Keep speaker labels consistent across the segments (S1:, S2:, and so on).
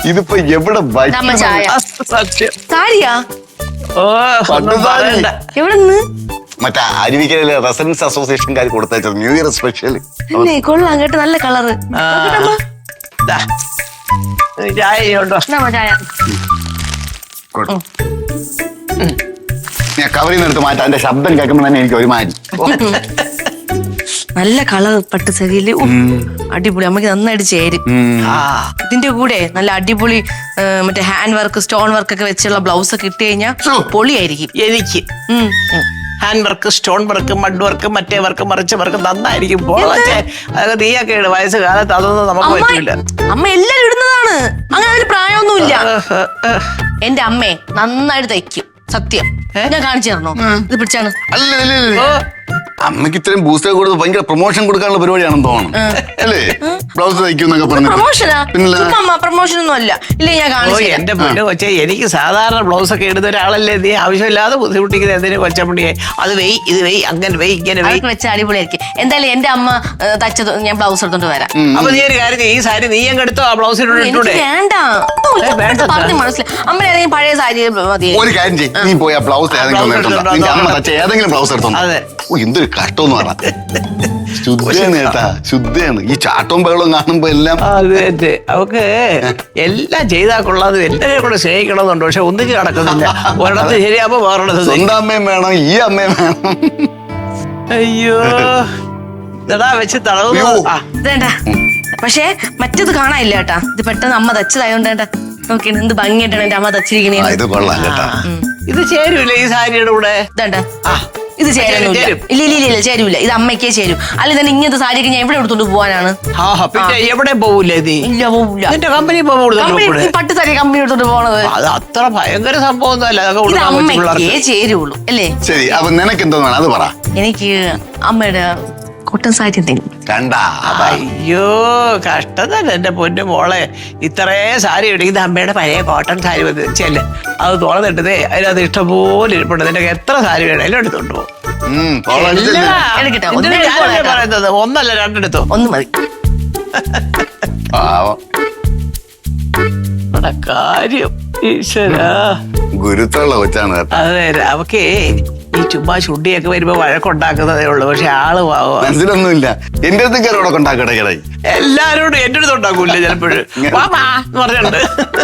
S1: ഇതിപ്പോ എവിടെ
S2: സത്യം സാരിയാ എവിടെ
S1: മറ്റേ അരുവിക്കരയിലെ റെസിഡൻസ് അസോസിയേഷൻകാർ കൊടുത്തയച്ചത് ന്യൂ ഇയർ സ്പെഷ്യൽ.
S2: കൊള്ളാം കേട്ടോ, നല്ല കളറ്.
S1: ഞാൻ കവറിൽ നിന്ന് എടുത്ത് മാറ്റാം. എന്റെ ശബ്ദം കേൾക്കുമ്പോൾ തന്നെ എനിക്ക് ഒരു മാറ്റി.
S2: നല്ല കളർ പട്ട് സാരിയില് അടിപൊളി, അമ്മക്ക് നന്നായിട്ട് ചേരും. ഇതിന്റെ കൂടെ നല്ല അടിപൊളി മറ്റേ ഹാൻഡ് വർക്ക് സ്റ്റോൺ വർക്ക് ഒക്കെ വെച്ചുള്ള ബ്ലൗസ് ഒക്കെ ഇട്ട് കഴിഞ്ഞാൽ പൊളിയായിരിക്കും.
S3: എനിക്ക് hand work stone work mud work മറ്റേ വർക്ക് മറിച്ച വർക്ക് നന്നായിരിക്കും. അതൊക്കെ നീയൊക്കെ ഇട്, വയസ്സ് കാലത്ത് അതൊന്നും നമുക്ക് പറ്റില്ല.
S2: അമ്മ എല്ലാരും ഇടുന്നതാണ്, അങ്ങനെ അതിന് പ്രായമൊന്നുമില്ല. എന്റെ അമ്മയെ നന്നായിട്ട് തയ്ക്കും, സത്യം. ഞാൻ കാണിച്ചു തരണോ? ഇത് പിടിച്ചാണ്.
S1: അമ്മക്ക് ഇത്രയും ബൂസ്റ്റർ കൊടുത്ത് ഭയങ്കര പ്രൊമോഷൻ കൊടുക്കാനുള്ള പരിപാടിയാണെന്ന് തോന്നുന്നു അല്ലേ? ബ്ലൗസ് തയ്ക്കുന്നൊക്കെ പറഞ്ഞു.
S2: പ്രൊമോഷൻ ഒന്നും അല്ല. ഇല്ലേ, ഞാൻ കാണിച്ചു.
S3: എന്റെ പൊന്നു കൊച്ചെ, എനിക്ക് സാധാരണ ബ്ലൗസ് ഒക്കെ ഇടുന്ന ഒരാളല്ലേ നീ ആവശ്യമില്ലാതെ ബുദ്ധിമുട്ടിക്കുന്നത് എന്തിനു കൊച്ചപ്പണിയെ? അത് വെയ്, ഇത് വെയ്, അങ്ങനെ വെയ്, ഇങ്ങനെ വെയ്
S2: വെച്ച അടിപൊളിയായിരിക്കും. എന്തായാലും എന്റെ അമ്മ തച്ചത് ഞാൻ ബ്ലൗസ് എടുത്തോണ്ട് വരാം.
S3: അപ്പൊ നീ ഒരു കാര്യം, ഈ സാരി നീ അങ്ങ് എടുത്തോ, ആ ബ്ലൗസ് ഇട്ടൂടെ?
S2: വേണ്ട, പറഞ്ഞു മനസ്സിലായി. അമ്മ ഏതെങ്കിലും പഴയ സാരി മതി.
S1: ഒരു കാര്യം ചെയ്യും, നീ പോയി ആ ബ്ലൗസ് ഏതെങ്കിലും ബ്ലൗസ് എടുത്തോ. എന്തൊരു കഷ്ടമെന്ന് പറഞ്ഞ ശുദ്ധയാണ് കേട്ടാ, ശുദ്ധയാണ്. ഈ ചാട്ടവും ബഹളവും കാണുമ്പോ എല്ലാം
S3: അവക്ക് എല്ലാം ചെയ്താൽ കൊള്ളാതെ എല്ലാവരെയും കൂടെ സ്നേഹിക്കണമെന്നുണ്ട്. പക്ഷെ ഒന്നിച്ച് നടക്കുന്നില്ല. ഒരിടത്ത് ശരിയാകുമ്പോ വേറെടുത്ത്
S1: സ്വന്തം അമ്മയും വേണം, ഈ അമ്മയും വേണം.
S3: അയ്യോ വെച്ച് തടവുന്നു.
S2: പക്ഷെ മറ്റത് കാണാനില്ല കേട്ടാ. ഇത് പെട്ടെന്ന് അമ്മ തച്ചതായോണ്ട് നോക്കി എന്ത് ഭംഗിയായിട്ടാണ് എന്റെ അമ്മ തച്ചിരിക്കണേ.
S1: ഇത് കൊള്ളാം കേട്ടാ.
S3: ഇത് ചേരൂല ഈ സാരിയുടെ കൂടെ.
S2: ഇത് ചേരുന്നില്ല. ഇല്ല ചേരൂല. ഇത് അമ്മയ്ക്കേ ചേരും. അല്ലെ തന്നെ ഇങ്ങനത്തെ സാരിയൊക്കെ ഞാൻ എവിടെ എടുത്തോണ്ട് പോവാനാണ്?
S3: പിന്നെ എവിടെ പോവൂലേ?
S2: ഇല്ല, പോവില്ല.
S3: കമ്പനി
S2: പട്ട് സാരി കമ്പനി എടുത്തോണ്ട് പോണത്
S3: അത് അത്ര ഭയങ്കര സംഭവം ഒന്നും അല്ല.
S2: ഇത് അമ്മയ്ക്കേ ചേരുള്ളൂ അല്ലേ?
S1: ശരി, അപ്പൊ നിനക്ക് എന്തോ അത് പറ.
S2: എനിക്ക് അമ്മയുടെ കോട്ടൺ സാരി എന്തെങ്കിലും.
S3: അയ്യോ കഷ്ടം തന്നെ എന്റെ പൊന്നു മോളെ. ഇത്രേ സാരി ഇടിക്കുന്നത് അമ്മയുടെ പഴയ കോട്ടൺ സാരി വെച്ചല്ലേ, അത് തുറന്നിട്ടതേ അതിനകത്ത് ഇഷ്ടംപോലെ ഇരിപ്പുണ്ട്. നിനക്ക് എത്ര സാരി വേണം എല്ലാം എടുത്തോണ്ട് പോകും. പറയുന്നത് ഒന്നല്ല രണ്ടെടുത്തോ.
S2: ഒന്ന് മതി.
S3: കാര്യം ഈശ്വരാ,
S1: ഗുരുത്തുള്ള കൊച്ചാണ് കേട്ടോ.
S3: അതെ, അവക്കേ ഈ ചുമ്മാ ചുണ്ടിയൊക്കെ വരുമ്പോ വഴക്കുണ്ടാക്കുന്നതേ ഉള്ളൂ. പക്ഷെ ആള്
S1: മനസ്സിലൊന്നുമില്ല. എന്റെ അടുത്ത് കയറോടൊക്കെ ഉണ്ടാക്കട്ടെ.
S3: എല്ലാരോടും എന്റെ അടുത്ത് ഉണ്ടാക്കൂല്ലേ ചിലപ്പോഴും പറഞ്ഞിട്ടുണ്ട്.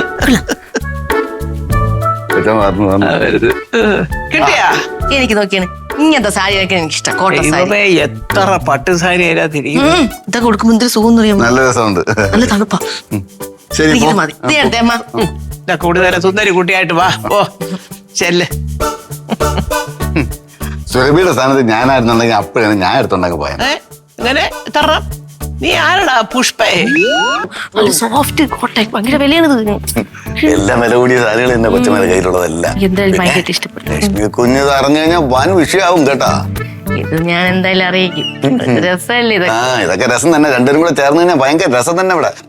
S3: കിട്ടിയാ?
S2: എനിക്ക് നോക്കിയാണ് ഇങ്ങനത്തെ സാരി എനിക്ക് ഇഷ്ടം. കോട്ടൺ സാരി
S3: എത്ര പട്ട് സാരി അതിനകത്തിരിക്കും.
S2: ഇതൊക്കെ കൊടുക്കുമ്പോ എന്തൊരു സുഖം അറിയാം.
S1: നല്ല രസമുണ്ട്,
S2: നല്ല തണുപ്പാ. മതി.
S3: കൂടി നേരം സുന്ദരി കുട്ടിയായിട്ട് വാ. ഓ ചെല്ല്.
S1: സുരഭിയുടെ സ്ഥാനത്ത് ഞാനായിരുന്നുണ്ടെങ്കിൽ അപ്പോഴാണ് ഞാൻ എടുത്തുണ്ടാക്കി പോയത്.
S3: ഇങ്ങനെ തരണം. നീ ആരടാ? പുഷ്പേ?
S2: സോഫ്റ്റ് കോട്ടൺ, ഭയങ്കര വിലയാണ്.
S1: എല്ലാം വില കൂടിയ സാരികൾ എന്റെ കൊച്ചുമേലെ കയ്യിലുള്ളതല്ല. ലക്ഷ്മി കുഞ്ഞ് അറിഞ്ഞു കഴിഞ്ഞാൽ വൻ വിഷയമാവും കേട്ടാ.
S2: ഇത് ഞാൻ എന്തായാലും അറിയിക്കും. രസമല്ലേ ഇത്?
S1: ഇതൊക്കെ രസം തന്നെ. രണ്ടുപേരും കൂടെ ചേർന്ന് കഴിഞ്ഞാൽ ഭയങ്കര രസം തന്നെ ഇവിടെ.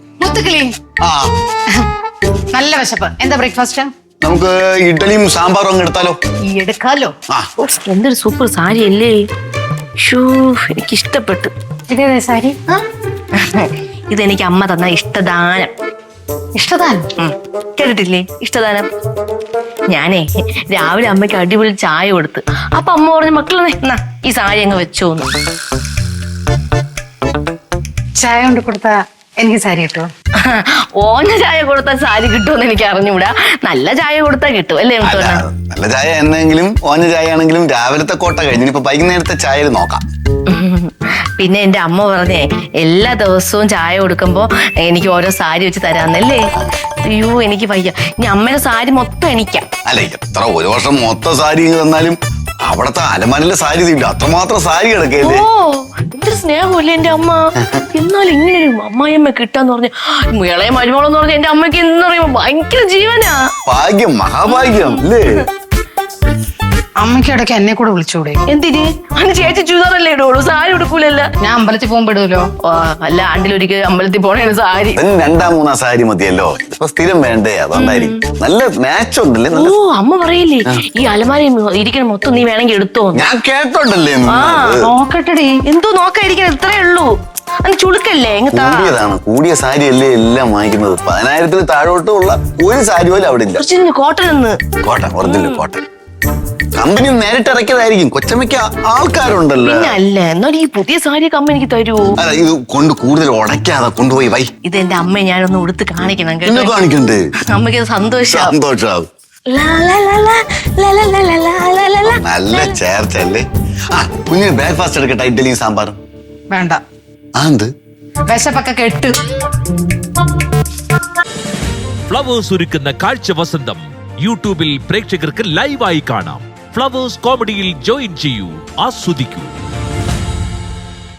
S4: നല്ല വിശപ്പ്. എന്താ ബ്രേക്ക്ഫാസ്റ്റ്?
S1: നമുക്ക് ഇഡ്ഡലിയും സാമ്പാറും അങ്ങ് എടുത്താലോ?
S4: എടുക്കാലോ.
S2: എന്തൊരു സൂപ്പർ സാരി അല്ലേ. എനിക്ക് ഇഷ്ടപ്പെട്ടു.
S4: ഇതേതാ സാരി?
S2: ഇതെനിക്ക് അമ്മ തന്ന ഇഷ്ടദാനം.
S4: ഇഷ്ടദാനം
S2: കേട്ടിട്ടില്ലേ? ഇഷ്ടദാനം. ഞാനേ രാവിലെ അമ്മയ്ക്ക് അടിപൊളി ചായ കൊടുത്ത്. അപ്പൊ അമ്മ പറഞ്ഞു, മക്കളെ ഈ സാരി അങ്ങ് വെച്ചോന്ന്.
S4: ചായ കൊണ്ട് കൊടുത്ത എനിക്ക് സാരി കിട്ടുമോ?
S2: ഓഞ്ഞ ചായ കൊടുത്താൽ സാരി കിട്ടുമെന്ന് എനിക്ക് അറിഞ്ഞൂടാ. നല്ല ചായ കൊടുത്താൽ കിട്ടും അല്ലേ?
S1: നല്ല ചായ എന്നെങ്കിലും ഓഞ്ഞ ചായ ആണെങ്കിലും രാവിലത്തെ കോട്ട കഴിഞ്ഞു. ഇപ്പൊ വൈകുന്നേരത്തെ ചായയിൽ നോക്കാം.
S2: പിന്നെ എന്റെ അമ്മ പറഞ്ഞേ എല്ലാ ദിവസവും ചായ കൊടുക്കുമ്പോ എനിക്ക് ഓരോ സാരി വെച്ച് തരാന്നല്ലേ. അയ്യോ എനിക്ക് വയ്യ. ഇനി അമ്മയുടെ സാരി മൊത്തം എനിക്കാ.
S1: അല്ല, എത്ര ഒരു വർഷം മൊത്തം സാരി തന്നാലും അവിടത്തെ അലമാരിലെ സാരി തീണ്ട അത്രമാത്രം സാരി കിടക്കല്ലേ.
S2: ഓ എന്തൊരു സ്നേഹമല്ലേ എന്റെ അമ്മ. എന്നാലും ഇങ്ങനെ ഒരു അമ്മായിയമ്മ കിട്ടാന്ന് പറഞ്ഞ ഇളയ മരുമോളെന്ന് പറഞ്ഞ എന്റെ അമ്മയ്ക്ക് എന്ന് പറയുമ്പോ ഭയങ്കര ജീവനാ.
S1: ഭാഗ്യം, മഹാഭാഗ്യം അല്ലേ.
S4: അമ്മയ്ക്ക് ഇടയ്ക്ക് എന്നെ കൂടെ വിളിച്ചൂടെ?
S2: എന്തിന്? അന്ന് ചേച്ചി ചുരിദാറല്ലേ ഇടുള്ളൂ, സാരി ഉടുക്കൂലല്ലോ.
S4: ഞാൻ അമ്പലത്തിൽ പോകുമ്പോ ഇടുമല്ലോ.
S2: അല്ല, ആണ്ടിലൊരിക്കൽ അമ്പലത്തിൽ പോണേണ് സാരി.
S1: 2-3 സാരി മതിയല്ലോ. ഇപ്പൊ സ്ഥിരം വേണ്ടേ, അതുകൊണ്ടായിരിക്കും. നല്ല മാച്ച് ഉണ്ടല്ലേ.
S2: ഓ അമ്മ പറയില്ലേ ഈ അലമാരി ഇരിക്കണ മൊത്തം നീ വേണമെങ്കിൽ എടുത്തോ.
S1: ഞാൻ കേട്ടോണ്ടല്ലേ.
S4: നോക്കട്ടെടി.
S2: എന്തോ നോക്കാതിരിക്കണം, ഇത്രേ ഉള്ളൂ. അത് ചുളുക്കല്ലേ എങ്ങത്താ
S1: കൂടിയതാണ്, കൂടിയ സാരി അല്ലേ എല്ലാം വാങ്ങിക്കുന്നത്. 10,000 താഴോട്ടുള്ള ഒരു സാരി പോലും അവിടെ ഇല്ല.
S2: കോട്ടൺ എന്ന്
S1: കോട്ടൺ, ഒറിജിനൽ കോട്ടൺ. കമ്പനി നേരിട്ട് ഇറക്കിയതായിരിക്കും. കൊച്ചമ്മയ്ക്ക് ആൾക്കാരുണ്ടല്ലോ.
S2: പിന്നെ അല്ല, എന്നാലും ഈ പുതിയ സാരി കമ്പനി എനിക്ക് തരുമോ?
S1: അല്ല, ഇത് കൊണ്ട് കൂടുതൽ ഉടയ്ക്കാതെ കൊണ്ടുപോയി വൈ.
S2: ഇത് എന്റെ അമ്മയെ ഞാനൊന്ന് ഉടുത്ത് കാണിക്കണം
S1: എന്നെ
S2: കേട്ടോ.
S1: കാണിക്കണ്ടേ?
S2: അമ്മയ്ക്ക് സന്തോഷാവും.
S1: സന്തോഷാവും. നല്ല ചേർച്ചല്ലേ. ആ, കുഞ്ഞിന് ബ്രേക്ക്ഫാസ്റ്റ് എടുക്കട്ടെ, ഇഡ്ഡലിയും സാമ്പാറും.
S4: വേണ്ട,
S1: എന്ത്
S4: വിശപ്പൊക്കെ കെട്ട്.
S5: ഫ്ലവേഴ്സ് ഒരുക്കുന്ന കാഴ്ച വസന്തം യൂട്യൂബിൽ പ്രേക്ഷകർക്ക് ലൈവായി കാണാം. ഫ്ലവേഴ്സ് കോമഡിയിൽ ജോയിൻ ചെയ്യൂ, ആസ്വദിക്കൂ.